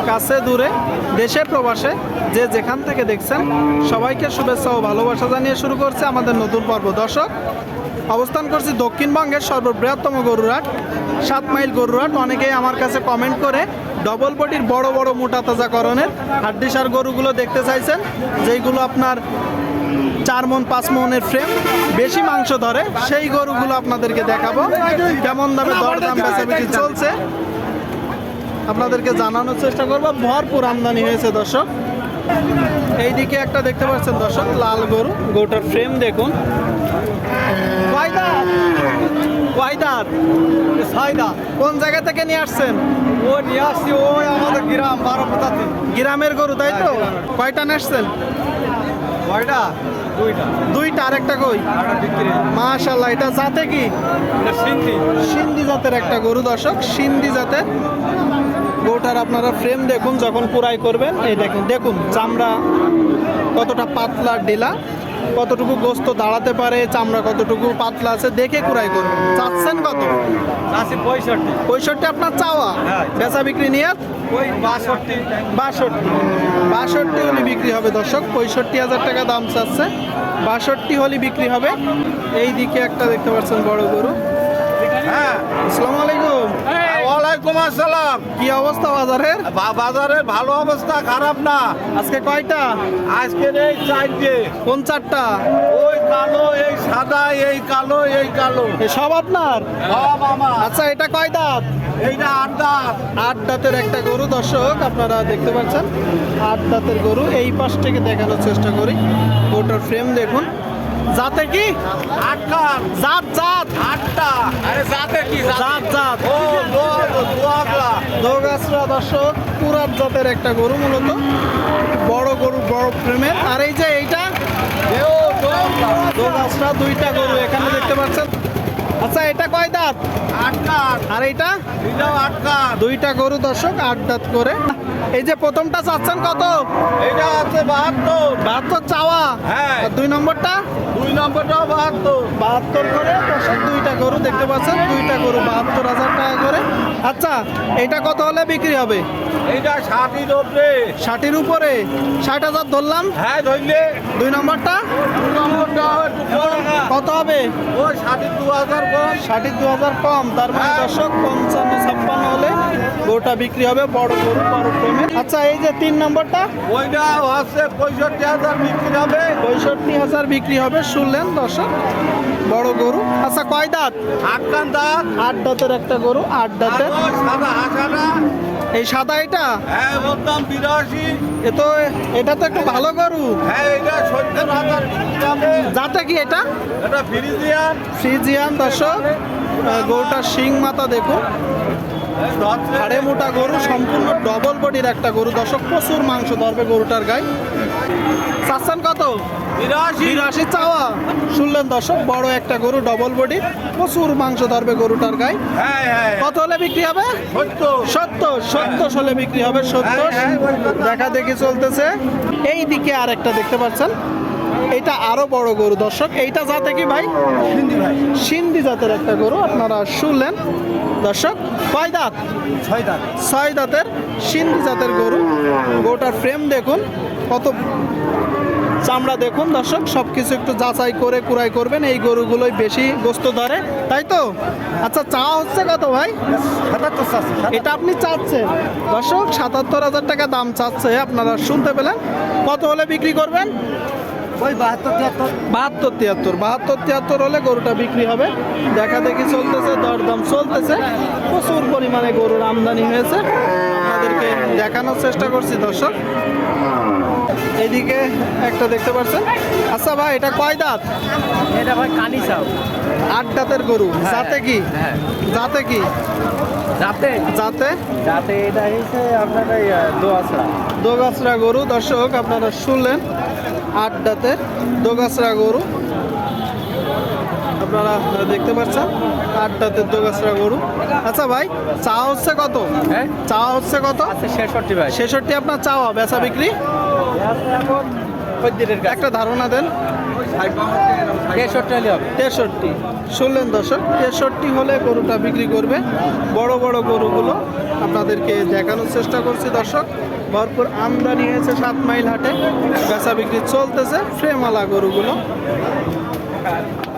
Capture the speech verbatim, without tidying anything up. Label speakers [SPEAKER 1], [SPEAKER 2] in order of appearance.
[SPEAKER 1] কাছে দূরে দেশে প্রবাসে যে যেখান থেকে দেখছেন সবাইকে শুভেচ্ছা ও ভালোবাসা জানিয়ে শুরু করছে আমাদের নতুন পর্ব। দর্শক, অবস্থান করছি দক্ষিণবঙ্গের সর্ববৃহত্তম গরুরহাট সাত মাইল গরুরহাট। অনেকেই আমার কাছে কমেন্ট করে ডবল বডির বড় বড় মোটা তাজাকরণের হাড্ডিসার গরুগুলো দেখতে চাইছেন, যেইগুলো আপনার চার মন পাঁচ মনের ফ্রেম, বেশি মাংস ধরে, সেই গরুগুলো আপনাদেরকে দেখাবো। কেমন দামে দরদাম বেচাবিক্রি চলছে আপনাদেরকে জানানোর চেষ্টা করবো। ভরপুর আমদানি হয়েছে দর্শক। এইদিকে একটা দেখতে পাচ্ছেন দর্শক, লাল গরু। গরুটার ফ্রেম দেখুন। কোন জায়গা থেকে নিয়ে আসছেন?
[SPEAKER 2] ও নিয়ে আসছি ওই আমাদের গ্রাম বারোপতাতে।
[SPEAKER 1] গ্রামের গরু তাই তো? কয়টা নিয়ে আসছেন?
[SPEAKER 2] কয়টা? দুইটা।
[SPEAKER 1] দুইটা। আর একটা কই?
[SPEAKER 2] আটা বিক্রি।
[SPEAKER 1] মাশাআল্লাহ। এটা জাতে কি?
[SPEAKER 2] এটা সিন্ধি।
[SPEAKER 1] সিন্ধি জাতের একটা গরু দর্শক, সিন্ধি জাতের গরুটার আপনারা ফ্রেম দেখুন যখন কুড়াই করবেন। এই দেখুন দেখুন চামড়া কতটা পাতলা, ডেলা কতটুকু গোস্ত দাঁড়াতে পারে, চামড়া কতটুকু পাতলা আছে দেখে কুড়াই করবেন। চাচ্ছেন কত?
[SPEAKER 2] আশি পঁয়ষট্টি।
[SPEAKER 1] পঁয়ষট্টি আপনার চাওয়া?
[SPEAKER 2] হ্যাঁ।
[SPEAKER 1] বেচা বিক্রি নিয়ে
[SPEAKER 2] ওই বাষট্টি।
[SPEAKER 1] বাষট্টি বাষট্টি হলে বিক্রি হবে দর্শক। পঁয়ষট্টি হাজার টাকা দাম চাচ্ছে, বাষট্টি হলে বিক্রি হবে। এই দিকে একটা দেখতে পাচ্ছেন বড় গরু।
[SPEAKER 2] হ্যাঁ।
[SPEAKER 1] আসসালামু আলাইকুম।
[SPEAKER 2] ওয়ালাইকুম আসসালাম।
[SPEAKER 1] কি অবস্থা বাজারের?
[SPEAKER 2] বা- বাজারের ভালো অবস্থা, খারাপ না।
[SPEAKER 1] আজকে কয়টা?
[SPEAKER 2] আজকের এই চারটে।
[SPEAKER 1] কোন চারটা?
[SPEAKER 2] ওই কালো, এই সাদা, এই কালো, এই কালো।
[SPEAKER 1] এ সব আপনার?
[SPEAKER 2] সব আমার।
[SPEAKER 1] আচ্ছা, এটা কয় দাঁত?
[SPEAKER 2] এইটা আড্ডা।
[SPEAKER 1] আট দাঁতের একটা গরু দর্শক, আপনারা দেখতে পাচ্ছেন আট দাঁতের গরু। এই পাশ থেকে দেখানোর চেষ্টা করি। গরুটার ফ্রেম দেখুন। জাতে কি?
[SPEAKER 2] আটটা।
[SPEAKER 1] জাত জাত
[SPEAKER 2] আটটা। আরে যাতে কি
[SPEAKER 1] জাত জাত
[SPEAKER 2] ও দোয়াগলা।
[SPEAKER 1] দোগাছরা দর্শক, পুরাত জাতের একটা গরু, মূলত বড় গরু, বড় ফ্রেমের। আর এই যে এইটা
[SPEAKER 2] এও দোয়াগলা।
[SPEAKER 1] দোগাছরা, দুইটা গরু এখানে দেখতে পাচ্ছেন। আচ্ছা, এটা কয় দাঁত?
[SPEAKER 2] আটটা।
[SPEAKER 1] আর এইটা?
[SPEAKER 2] এটাও আটটা।
[SPEAKER 1] দুইটা গরু দর্শক, আট দাঁত করে। এই যে প্রথমটা চাচ্ছেন কত?
[SPEAKER 2] এটা আছে বাহাত্তর।
[SPEAKER 1] বাহাত্তর চাওয়া?
[SPEAKER 2] হ্যাঁ।
[SPEAKER 1] আর দুই নম্বরটা?
[SPEAKER 2] দুই নম্বরটাও বাহাত্তর।
[SPEAKER 1] বাহাত্তর করে দর্শক, দুইটা গরু দেখতে পাচ্ছেন, দুইটা গরু বাহাত্তর হাজার টাকা করে। আচ্ছা, এটা কত হলে বিক্রি হবে?
[SPEAKER 2] এইটা ষাটির ওপরে।
[SPEAKER 1] ষাটের উপরে? ষাট হাজার ধরলাম।
[SPEAKER 2] হ্যাঁ ধরলে।
[SPEAKER 1] দুই নম্বরটা
[SPEAKER 2] দুই নম্বরটা একটু কম।
[SPEAKER 1] কত হবে?
[SPEAKER 2] ওই ষাটির দু হাজার কম।
[SPEAKER 1] ষাটের দু হাজার কম। তার মানে
[SPEAKER 2] হ্যাঁ।
[SPEAKER 1] দর্শক পঞ্চান্ন ছাপ্পান্ন হলে গরুটা বিক্রি হবে, বড় গরু, বড় প্রেমের। আচ্ছা, এই যে তিন নম্বরটা?
[SPEAKER 2] ওইটা হচ্ছে পঁয়ষট্টি হাজার বিক্রি হবে।
[SPEAKER 1] পঁয়ষট্টি হাজার বিক্রি হবে। শুনলেন দর্শক, বড় গরু। আচ্ছা, কয় দাঁত?
[SPEAKER 2] আটকান দাঁত।
[SPEAKER 1] আট দাঁতের একটা গরু, আট
[SPEAKER 2] আর
[SPEAKER 1] দাঁতের।
[SPEAKER 2] ওই সাদা হাসাটা।
[SPEAKER 1] এই সাদা এটা?
[SPEAKER 2] হ্যাঁ বলতাম বিরাশি।
[SPEAKER 1] এ তো, এটা তো একটু ভালো গরু।
[SPEAKER 2] হ্যাঁ এটা সত্তর হাজার বিক্রি হবে।
[SPEAKER 1] যাতে কি এটা?
[SPEAKER 2] এটা ফ্রিজিয়ান।
[SPEAKER 1] ফ্রিজিয়ান দর্শক। আহ, গরুটার শিং মাথা দেখুন, হাড়ে মোটা গরু, সম্পূর্ণ ডবল বডির একটা গরু দর্শক। প্রচুর মাংস ধরবে গরুটার গায়ে। চাচ্ছেন কত?
[SPEAKER 2] বিরাশি।
[SPEAKER 1] বিরাশি চাওয়া? শুনলেন দর্শক, বড় একটা গরু, ডবল বডি, প্রচুর মাংস ধরবে গরুটার গায়ে।
[SPEAKER 2] হ্যাঁ হ্যাঁ।
[SPEAKER 1] কত হলে বিক্রি হবে?
[SPEAKER 2] সত্তর।
[SPEAKER 1] সত্তর সত্তর হলে বিক্রি হবে। সত্তর
[SPEAKER 2] হ্যাঁ, হ্যাঁ, ওই কথা।
[SPEAKER 1] দেখা দেখি চলতেছে। এই দিকে আর একটা দেখতে পাচ্ছেন, এটা আরো বড় গরু দর্শক। এইটা জাতে কি ভাই?
[SPEAKER 2] হিন্দি ভাই।
[SPEAKER 1] সিন্ধি জাতের একটা গরু, আপনারা শুনলেন দর্শক। কয় দাঁত?
[SPEAKER 2] ছয় দাঁত।
[SPEAKER 1] ছয় দাঁতের সিন্ধি জাতের গরু। গরুটার ফ্রেম দেখুন, কত চামড়া দেখুন দর্শক। সব কিছু একটু যাচাই করে কুড়াই করবেন, এই গরুগুলোই বেশি গোস্ত ধরে, তাই তো? আচ্ছা, চাওয়া হচ্ছে কত ভাই?
[SPEAKER 2] সাতাত্তর চাচ্ছে।
[SPEAKER 1] এটা আপনি চাচ্ছেন দর্শক, সাতাত্তর হাজার টাকা দাম চাচ্ছে। আপনারা শুনতে পেলেন। কত হলে বিক্রি করবেন?
[SPEAKER 2] ওই বাহাত্তর তিয়াত্তর।
[SPEAKER 1] বাহাত্তর তিয়াত্তর বাহাত্তর তিয়াত্তর হলে গরুটা বিক্রি হবে। দেখা দেখি চলতেছে, দরদাম চলতেছে। প্রচুর পরিমাণে গরুর আমদানি হয়েছে, আপনাদেরকে দেখানোর চেষ্টা করছি দর্শক। এইদিকে একটা দেখতে পাচ্ছেন। আচ্ছা ভাই, এটা কয় দাঁত?
[SPEAKER 2] এটা ভাই কানি চাও।
[SPEAKER 1] আট দাঁতের গরু। জাতে কি?
[SPEAKER 2] হ্যাঁ।
[SPEAKER 1] জাতে কি?
[SPEAKER 2] যাতে
[SPEAKER 1] জাতে
[SPEAKER 2] যাতে এটা হচ্ছে আপনার এই দোয়াশড়া।
[SPEAKER 1] দোগাছরা গরু দর্শক, আপনারা শুনলেন। আট দাঁতের দোগাছরা গরু আপনারা দেখতে পাচ্ছেন, আট দাঁতের দোগাছরা গরু। আচ্ছা ভাই, চা হচ্ছে কত?
[SPEAKER 2] হ্যাঁ।
[SPEAKER 1] চা হচ্ছে কত?
[SPEAKER 2] আছে ছেষট্টি ভাই।
[SPEAKER 1] ছেষট্টি আপনার চাওয়া? বেচা বিক্রি
[SPEAKER 2] এখন খদ্দেরের কাছে।
[SPEAKER 1] একটা ধারণা দেন।
[SPEAKER 3] তেষট্টি হলে হবে।
[SPEAKER 1] তেষট্টি শুনলেন দর্শক, তেষট্টি হলে গরুটা বিক্রি করবে। বড় বড় গরুগুলো আপনাদেরকে দেখানোর চেষ্টা করছি দর্শক। ভরপুর আমদানি হয়েছে সাত মাইল হাটে, বেচা বিক্রি চলতেছে ফ্রেমালা গরুগুলো।